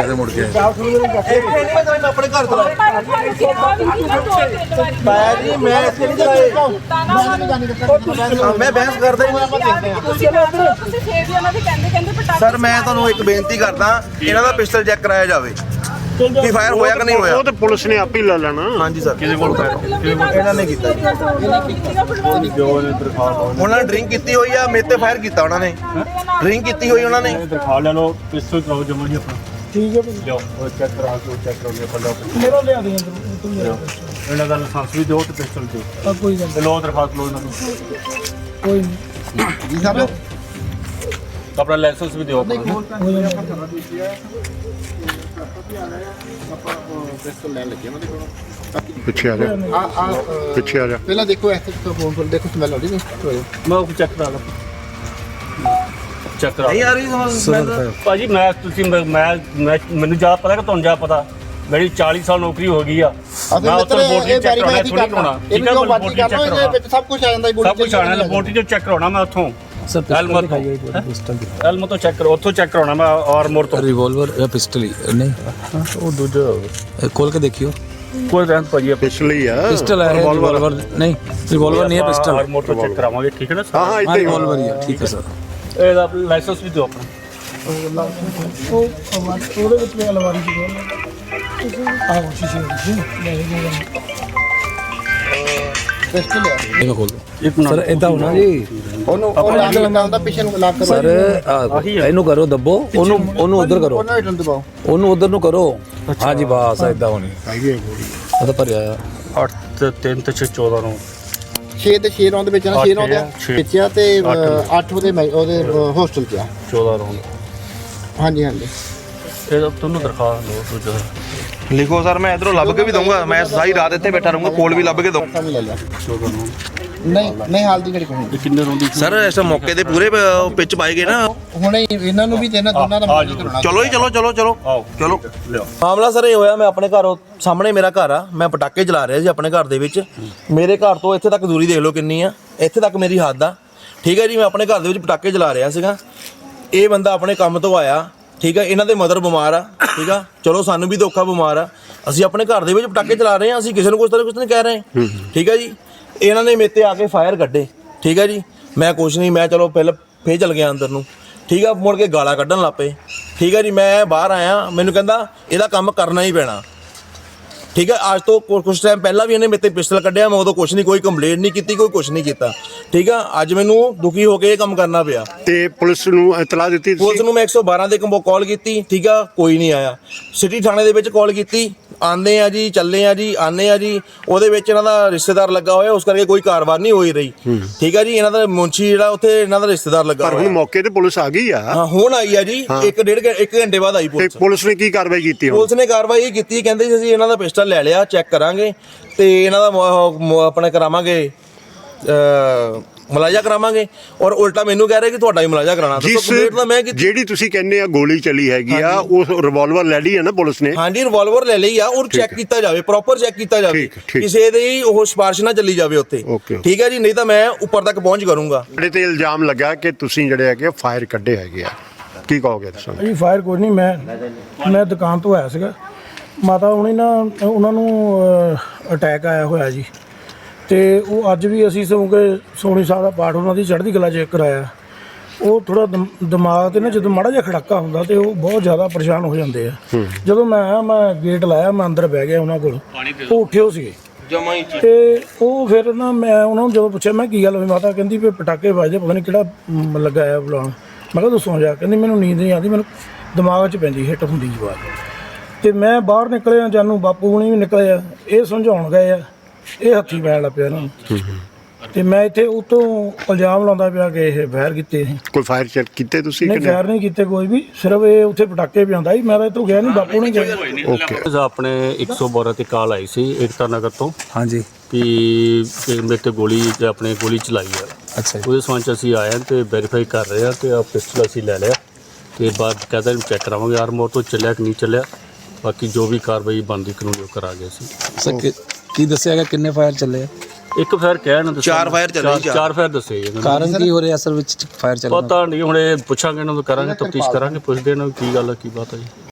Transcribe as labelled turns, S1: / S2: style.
S1: ਮੌਕੇ ਤੇ ਮੁੜ ਕੇ ਆਏ।
S2: ਆਪਣੇ ਘਰ ਤੋਂ ਜੀ ਮੈਂ ਇੱਥੇ ਨਹੀਂ ਚਲਾਏ, ਮੈਂ ਬਹਿਸ ਕਰਦਾ ਹੀ ਨਹੀਂ। ਸਰ ਮੈਂ ਤੁਹਾਨੂੰ ਇੱਕ ਬੇਨਤੀ ਕਰਦਾ, ਇਹਨਾਂ ਦਾ ਪਿਸਟਲ ਚੈੱਕ ਕਰਾਇਆ ਜਾਵੇ ਕਿ ਫਾਇਰ ਹੋਇਆ ਕਿ ਨਹੀਂ ਹੋਇਆ।
S3: ਉਹ ਤੇ ਪੁਲਿਸ ਨੇ ਆਪ ਹੀ ਲੈ ਲੈਣਾ।
S2: ਹਾਂਜੀ ਸਰ,
S1: ਕਿਹਦੇ ਕੋਲ ਫਾਇਰ
S2: ਇਹਨਾਂ ਨੇ ਕੀਤਾ, ਉਹਨਾਂ ਨੇ ਡਰਿੰਕ ਕੀਤੀ ਹੋਈ ਆ, ਮੇਰੇ ਤੇ ਫਾਇਰ ਕੀਤਾ ਉਹਨਾਂ ਨੇ, ਡਰਿੰਕ ਕੀਤੀ ਹੋਈ ਉਹਨਾਂ ਨੇ।
S3: ਦਿਖਾ ਲੈ ਲੋ ਪਿਸਤੌਲ ਕਰਾਓ ਜਮਾ ਜੀ ਆਪਣਾ।
S4: ਠੀਕ ਹੈ
S3: ਲਿਓ ਉਹ ਚੈੱਕ ਕਰਾ ਕੇ ਚੈੱਕ ਕਰੋ ਪੱਲਾ
S4: ਮੇਰਾ ਲਿਆ ਦੇ ਤੂੰ
S3: ਇਹਨਾਂ ਦਾ ਲਾਇਸੈਂਸ ਵੀ ਦਿਓ ਤੇ ਪਿਸਤੌਲ ਦਿਓ।
S4: ਕੋਈ ਗੱਲ
S3: ਤੇ ਲੋ ਦਰਖਾਸਤ ਲੋ ਇਹਨਾਂ ਨੂੰ।
S4: ਕੋਈ ਨਹੀਂ
S2: ਜੀ ਸਾਹਿਬ
S3: ਆਪਣਾ ਲਾਇਸੈਂਸ ਵੀ ਦਿਓ ਆਪਣਾ। ਪਿੱਛੇ ਆ ਜਾ, ਪਿੱਛੇ ਆ ਜਾ।
S2: ਪਹਿਲਾਂ ਦੇਖੋ ਇੱਥੇ ਫੋਨ ਕੋਲ ਦੇਖੋ, ਸਮੈਲ ਆਉਂਦੀ ਨਹੀਂ।
S3: ਮੈਂ ਉਹ ਚੈੱਕ ਕਰਾ ਲਾ, ਚੈੱਕ ਕਰਾ।
S2: ਨਹੀਂ ਆ ਰਹੀ ਸਮੈਲ
S3: ਭਾਜੀ ਮੈਂ ਤੁਸੀਂ ਮੈਨੂੰ ਜ਼ਿਆਦਾ ਪਤਾ ਕਿ ਤੁਹਾਨੂੰ ਜ਼ਿਆਦਾ ਪਤਾ। ਮੇਰੀ 40 ਸਾਲ ਨੌਕਰੀ ਹੋ ਗਈ ਆ। ਮੈਂ ਉੱਥੇ ਲੈਬੋਰਟਰੀ ਚੈੱਕ ਕਰਾਉਣਾ, ਥੋੜੀ ਕਰਾਉਣਾ। ਠੀਕ ਹੈ, ਲੈਬੋਰਟਰੀ ਚੈੱਕ ਕਰਾਉਣਾ,
S2: ਸਭ ਕੁਝ ਆ ਜਾਂਦਾ ਹੈ,
S3: ਸਭ ਕੁਝ ਆਣਾ। ਲੈਬੋਰਟਰੀ ਚੋਂ ਚੈੱਕ ਕਰਾਉਣਾ ਮੈਂ ਉੱਥੋਂ।
S5: सर पिस्टल दिखाइए एक बार पिस्टल दिखाइए।
S3: ਐਲਮੋ ਤੋਂ ਚੈੱਕ ਕਰੋ, ਉੱਥੋਂ ਚੈੱਕ ਕਰਾਉਣਾ ਮੈਂ ਆਰਮੋਰ ਤੋਂ।
S5: रिवॉल्वर या पिस्टल ही नहीं
S3: ਉਹ ਦੂਜਾ
S5: खोल के देखियो।
S3: ਕੋਈ ਰਹਿਣ ਭਾਜੀ
S1: ਪਿਛਲੀ ਆ
S5: पिस्टल है रिवॉल्वर नहीं, रिवॉल्वर नहीं है पिस्टल।
S3: ਆਰਮੋਰ ਤੋਂ ਚੈੱਕ ਕਰਾਵਾਂਗੇ, ਠੀਕ ਹੈ ਨਾ।
S1: ਹਾਂ
S5: हाँ रिवॉल्वर ही है, ठीक है सर।
S3: ਇਹਦਾ ਲਾਇਸੈਂਸ ਵੀ ਦਿਓ ਆਪਣਾ।
S4: ਉਹਦੇ ਵਿੱਚ ਵੀ ਅਲਮਾਰੀ ਦੀ ਗੱਲ ਆਹ ਸ਼ੀਸ਼ੇ ਦੀ ਲੈ ਗਏ
S2: ਪਿਸਟਲ ਹੈ
S5: देखो खोल दो सर। इदा होना जी
S2: ਉਹਨੂੰ ਉਹ ਲਾਗ ਲਗਾਉਂਦਾ, ਪਿੱਛੇ ਨੂੰ ਲਾਗ ਕਰੋ
S5: सर ਇਹਨੂੰ ਕਰੋ ਦੱਬੋ, ਉਹਨੂੰ ਉਧਰ ਕਰੋ,
S2: ਉਹਨਾਂ ਹਿੱਟਣ ਦਬਾਓ।
S5: ਉਹਨੂੰ ਉਧਰ ਨੂੰ ਕਰੋ। हाँ जी बस इदा होनी ਉਹ ਤਾਂ ਭਰਿਆ ਆ।
S3: 8 ਤੇ 3 ਤੇ 6 14 ਨੂੰ
S2: 6 ਤੇ 6 ਰੌਂਦ ਵਿੱਚ ਨਾ 6 ਰੌਂਦ ਆ
S3: ਛੇ।
S2: ਵਿੱਚ ਆ ਤੇ 8 ਉਹਦੇ ਹੋਸਟਲ 'ਚ ਆ।
S3: 14 ਨੂੰ
S2: ਹਾਂਜੀ ਹਾਂਜੀ
S3: ਇਹਦਾ ਤੁਹਾਨੂੰ ਦਰਖਾਸਤ ਲਓ ਦੂਜਾ।
S2: ਲਿਖੋ ਸਰ, ਮੈਂ ਇਧਰੋਂ ਲੱਭ ਕੇ ਵੀ ਦਊਂਗਾ, ਮੈਂ ਸਾਰੀ ਰਾਤ ਇੱਥੇ ਬੈਠਾ ਰਹੂੰਗਾ, ਕੋਲ ਵੀ ਲੱਭ ਕੇ ਦਊਂ।
S3: ਵੀ ਲੈ ਲਿਆ 14 ਨੂੰ।
S2: ਨਹੀਂ ਨਹੀਂ ਹਾਲ ਦੀ ਘੜੀ ਕੋਈ
S3: ਇਹ ਕਿੰਨੇ ਰੋਂਦੀ
S2: ਸਰ ਇਸ ਮੌਕੇ ਤੇ ਪੂਰੇ ਪਿੱਚ ਪਾਏ ਗਏ ਨਾ, ਹੁਣੇ ਇਹਨਾਂ ਨੂੰ ਵੀ ਤੇ ਇਹਨਾਂ ਦੋਨਾਂ ਦਾ ਮੌਕਾ ਕਰਾਉਣਾ। ਚਲੋ ਜੀ ਚਲੋ ਚਲੋ ਚਲੋ
S3: ਆਓ
S2: ਚਲੋ।
S3: ਲਿਓ।
S2: ਮਾਮਲਾ ਸਰ ਇਹ ਹੋਇਆ, ਮੈਂ ਆਪਣੇ ਘਰੋਂ ਸਾਹਮਣੇ ਮੇਰਾ ਘਰ ਆ, ਮੈਂ ਪਟਾਕੇ ਚਲਾ ਰਿਹਾ ਸੀ ਆਪਣੇ ਘਰ ਦੇ ਵਿੱਚ। ਮੇਰੇ ਘਰ ਤੋਂ ਇੱਥੇ ਤੱਕ ਦੂਰੀ ਦੇਖ ਲਓ ਕਿੰਨੀ ਆ, ਇੱਥੇ ਤੱਕ ਮੇਰੀ ਹੱਦ ਆ। ਠੀਕ ਹੈ ਜੀ, ਮੈਂ ਆਪਣੇ ਘਰ ਦੇ ਵਿੱਚ ਪਟਾਕੇ ਚਲਾ ਰਿਹਾ ਸੀਗਾ। ਇਹ ਬੰਦਾ ਆਪਣੇ ਕੰਮ ਤੋਂ ਆਇਆ, ਠੀਕ ਹੈ, ਇਹਨਾਂ ਦੇ ਮਦਰ ਬਿਮਾਰ ਆ, ਠੀਕ ਆ, ਚਲੋ ਸਾਨੂੰ ਵੀ ਧੋਖਾ ਬਿਮਾਰ ਆ, ਅਸੀਂ ਆਪਣੇ ਘਰ ਦੇ ਵਿੱਚ ਪਟਾਕੇ ਚਲਾ ਰਹੇ ਹਾਂ, ਅਸੀਂ ਕਿਸੇ ਨੂੰ ਕੁਛ ਨਹੀਂ ਕਹਿ ਰਹੇ। ਠੀਕ ਹੈ ਜੀ, ਇਹਨਾਂ ਨੇ ਮੇਰੇ ਤੇ ਆ ਕੇ ਫਾਇਰ ਕੱਢੇ। ਠੀਕ ਹੈ ਜੀ, ਮੈਂ ਕੁਛ ਨਹੀਂ, ਮੈਂ ਚਲੋ ਪਹਿਲਾਂ ਫੇਰ ਚਲ ਗਿਆ ਅੰਦਰ ਨੂੰ। ਠੀਕ ਆ, ਮੁੜ ਕੇ ਗਾਲਾਂ ਕੱਢਣ ਲੱਗ ਪਏ। ਠੀਕ ਹੈ ਜੀ, ਮੈਂ ਬਾਹਰ ਆਇਆ, ਮੈਨੂੰ ਕਹਿੰਦਾ ਇਹਦਾ ਕੰਮ ਕਰਨਾ ਹੀ ਪੈਣਾ। ਠੀਕ ਹੈ, ਅੱਜ ਤੋਂ ਕੁਛ ਟਾਈਮ ਪਹਿਲਾਂ ਵੀ ਇਹਨੇ ਮੇਰੇ ਤੇ ਪਿਸਟਲ ਕੱਢਿਆ, ਮੈਂ ਉਦੋਂ ਕੁਛ ਨਹੀਂ, ਕੋਈ ਕੰਪਲੇਂਟ ਨਹੀਂ ਕੀਤੀ, ਕੋਈ ਕੁਛ ਨਹੀਂ ਕੀਤਾ। ਠੀਕ ਆ, ਅੱਜ ਮੈਨੂੰ ਦੁਖੀ ਹੋ ਕੇ ਇਹ ਕੰਮ ਕਰਨਾ ਪਿਆ।
S1: ਤੇ ਪੁਲਿਸ ਨੂੰ ਇਤਲਾਹ ਦਿੱਤੀ
S2: ਪੁਲਿਸ
S1: ਤੁਸੀਂ?
S2: ਨੂੰ ਮੈਂ 112 ਦੇ ਕਾਲ ਕੀਤੀ। ਠੀਕ ਆ, ਕੋਈ ਨਹੀਂ ਆਇਆ। ਸਿਟੀ ਥਾਣੇ ਦੇ ਵਿੱਚ ਕਾਲ ਕੀਤੀ, ਆਉਂਦੇ ਆ ਜੀ, ਚੱਲੇ ਆ ਜੀ, ਆਉਂਦੇ ਆ ਜੀ। ਉਹਦੇ ਵਿੱਚ ਇਹਨਾਂ ਦਾ ਰਿਸ਼ਤੇਦਾਰ ਲੱਗਾ ਹੋਇਆ, ਉਸ ਕਰਕੇ ਕੋਈ ਕਾਰਵਾਈ ਨਹੀਂ ਹੋਈ ਰਹੀ। ਠੀਕ ਆ ਜੀ, ਇਹਨਾਂ ਦਾ ਮੁੰਸ਼ੀ ਜਿਹੜਾ ਉੱਥੇ ਇਹਨਾਂ ਦਾ ਰਿਸ਼ਤੇਦਾਰ ਲੱਗਾ
S1: ਪਰ ਹੁਣ
S2: ਹੋਇਆ।
S1: ਮੌਕੇ ਤੇ ਪੁਲਿਸ ਆ ਗਈ ਆ।
S2: ਹਾਂ ਹੁਣ ਆਈ ਆ ਜੀ, 1 ਘੰਟੇ ਬਾਅਦ ਆਈ
S1: ਤੇ
S2: ਪੁਲਿਸ।
S1: ਪੁਲਿਸ ਨੇ ਕੀ ਕਾਰਵਾਈ ਕੀਤੀ ਹੁਣ?
S2: ਪੁਲਿਸ ਨੇ ਕਾਰਵਾਈ ਇਹ ਕੀਤੀ, ਕਹਿੰਦੇ ਜੀ ਅਸੀਂ ਇਹਨਾਂ ਦਾ ਪਿਸਟਲ ਲੈ ਲਿਆ, ਚੈੱਕ ਕਰਾਂਗੇ ਤੇ ਇਹਨਾਂ ਦਾ ਆਪਣੇ ਕਰਾਵਾਂਗੇ, ਮੁਲਾਜ਼ਾ ਕਰਾਵਾਂਗੇ। ਔਰ ਉਲਟਾ ਮੈਨੂੰ ਕਹਿ ਰਹੇ ਕਿ ਤੁਹਾਡਾ ਹੀ ਮੁਲਾਜ਼ਾ ਕਰਾਣਾ।
S1: ਜਿਹੜੀ ਤੁਸੀਂ ਕਹਿੰਦੇ ਆ ਗੋਲੀ ਚਲੀ ਹੈਗੀ ਆ, ਉਹ ਰਿਵਾਲਵਰ ਲੈ ਲਈ ਹੈ ਨਾ ਪੁਲਿਸ ਨੇ?
S2: ਹਾਂਜੀ, ਰਿਵਾਲਵਰ ਲੈ ਲਈ ਆ, ਔਰ ਚੈੱਕ ਕੀਤਾ ਜਾਵੇ, ਪ੍ਰੋਪਰ ਚੈੱਕ ਕੀਤਾ ਜਾਵੇ,
S1: ਠੀਕ।
S2: ਕਿਸੇ ਦੀ ਉਹ ਸਿਫਾਰਿਸ਼ ਨਾ ਚੱਲੀ ਜਾਵੇ ਉੱਥੇ। ਠੀਕ ਹੈ ਜੀ, ਨਹੀਂ ਤਾਂ ਮੈਂ ਉੱਪਰ ਤੱਕ ਪਹੁੰਚ ਕਰੂੰਗਾ।
S1: ਤੁਹਾਡੇ ਤੇ ਇਲਜ਼ਾਮ ਲੱਗਾ ਕਿ ਤੁਸੀਂ ਜਿਹੜੇ ਹੈਗੇ ਫਾਇਰ ਕੱਢੇ ਹੈਗੇ ਆ, ਕੀ ਕਹੋਗੇ ਤੁਸੀਂ?
S4: ਜੀ ਫਾਇਰ ਕੋਈ ਨਹੀਂ, ਮੈਂ ਦੁਕਾਨ ਤੋਂ ਆਇਆ ਸੀਗਾ। ਮਾਤਾ ਹੁਣੀ ਨਾ ਉਹਨਾਂ ਨੂੰ ਅਟੈਕ ਆਇਆ ਹੋਇਆ ਜੀ, ਤੇ ਉਹ ਅੱਜ ਵੀ ਅਸੀਂ ਕਿਉਂਕਿ ਸੋਣੀ ਸਾਹਿਬ ਦਾ ਪਾਠ ਉਹਨਾਂ ਦੀ ਚੜ੍ਹਦੀ ਕਲਾ ਚੈੱਕ ਕਰਾਇਆ। ਉਹ ਥੋੜਾ ਦਿਮਾਗ ਤੇ ਨਾ ਜਦੋਂ ਮਾੜਾ ਜਿਹਾ ਖੜਾਕਾ ਹੁੰਦਾ ਤੇ ਉਹ ਬਹੁਤ ਜ਼ਿਆਦਾ ਪਰੇਸ਼ਾਨ ਹੋ ਜਾਂਦੇ ਆ। ਜਦੋਂ ਮੈਂ ਆਇਆ, ਮੈਂ ਗੇਟ ਲਾਇਆ, ਮੈਂ ਅੰਦਰ ਬਹਿ ਗਿਆ ਉਹਨਾਂ ਕੋਲ, ਉਹ ਉੱਠੇ ਹੋ ਸੀਗੇ ਤੇ ਉਹ ਫਿਰ ਨਾ ਮੈਂ ਉਹਨਾਂ ਨੂੰ ਜਦੋਂ ਪੁੱਛਿਆ ਮੈਂ ਕੀ ਗੱਲ ਹੋਈ, ਮਾਤਾ ਕਹਿੰਦੀ ਵੀ ਪਟਾਕੇ ਵੱਜਦੇ, ਪਤਾ ਨਹੀਂ ਕਿਹੜਾ ਲੱਗਾ ਆ ਬੁਲਾਉਣ। ਮੈਂ ਕਿਹਾ ਦੱਸੋ ਜਾ, ਕਹਿੰਦੀ ਮੈਨੂੰ ਨੀਂਦ ਨਹੀਂ ਆਉਂਦੀ, ਮੈਨੂੰ ਦਿਮਾਗ 'ਚ ਪੈਂਦੀ ਹਿੱਟ ਹੁੰਦੀ ਜਵਾਬ। ਤੇ ਮੈਂ ਬਾਹਰ ਨਿਕਲਿਆ, ਜਾਨੂੰ ਬਾਪੂ ਹੁਣੀ ਵੀ ਨਿਕਲੇ ਆ, ਇਹ ਸਮਝਾਉਣ ਗਏ ਆ, ਇਹ ਹੱਥੀ ਪੈਣ ਲੱਗ ਪਿਆ ਇਹਨਾਂ ਨੂੰ। ਤੇ ਮੈਂ ਇੱਥੇ ਉਤੋਂ ਇਲਜ਼ਾਮ ਲਾਉਂਦਾ ਪਿਆ ਕਿ ਇਹ ਫਾਇਰ ਕੀਤੇ ਸੀ।
S1: ਕੋਈ ਫਾਇਰ ਚੈੱਕ ਕੀਤੇ ਤੁਸੀਂ?
S4: ਨਹੀਂ ਫਾਇਰ ਨਹੀਂ ਕੀਤੇ ਕੋਈ ਵੀ, ਸਿਰਫ ਇਹ ਉੱਥੇ ਪਟਾਕੇ ਪਿਆਉਂਦਾ ਸੀ। ਮੈਂ ਤਾਂ ਇੱਥੋਂ ਗਿਆ ਨਹੀਂ, ਬਾਪੂ ਨੇ ਗਿਆ।
S1: ਓਕੇ।
S3: ਆਪਣੇ 112 ਤੇ ਕਾਲ ਆਈ ਸੀ ਏਕਤਾ ਨਗਰ ਤੋਂ।
S5: हाँ जी
S3: ਕਿ ਮੇਰੇ ਤੇ ਗੋਲੀ ਆਪਣੇ ਗੋਲੀ ਚਲਾਈ ਆ।
S5: अच्छा जी।
S3: ਉਹਦੇ ਸੰਬੰਧ 'ਚ ਅਸੀਂ ਆਏ ਹਾਂ ਤੇ ਵੈਰੀਫਾਈ ਕਰ ਰਹੇ ਹਾਂ ਤੇ ਆ ਪਿਸਟਲ ਅਸੀਂ ਲੈ ਲਿਆ ਤੇ ਬਾਅਦ ਕਹਿੰਦਾ ਇਹਨੂੰ ਚੈੱਕ ਕਰਾਵਾਂਗੇ ਆਰਮੋਰ ਤੋਂ ਚੱਲਿਆ ਕਿ ਨਹੀਂ ਚੱਲਿਆ। ਬਾਕੀ ਜੋ ਵੀ ਕਾਰਵਾਈ ਬਣਦੀ ਕਾਨੂੰਨੀ ਉਹ ਕਰਾ ਗਏ ਸੀ।
S5: सर की दसिया गया किन्ने फायर चले?
S3: ਇੱਕ ਫਾਇਰ ਕਹਿ ਨਾ ਦੱਸਿਆ,
S2: 4 ਫਾਇਰ ਚੱਲੇ ਜੀ,
S3: 4 ਫਾਇਰ ਦੱਸੇ ਜੀ ਇਹਨਾਂ ਨੇ।
S5: कारण की हो रहा है असल में फायर चल?
S3: ਪਤਾ ਨਹੀਂ, ਹੁਣ ਇਹ ਪੁੱਛਾਂਗੇ ਇਹਨਾਂ ਨੂੰ, ਕਰਾਂਗੇ ਤਫਤੀਸ਼ ਕਰਾਂਗੇ, ਪੁੱਛਦੇ ਇਹਨਾਂ ਨੂੰ ਕੀ ਗੱਲ ਹੈ ਕੀ ਬਾਤ ਹੈ ਜੀ।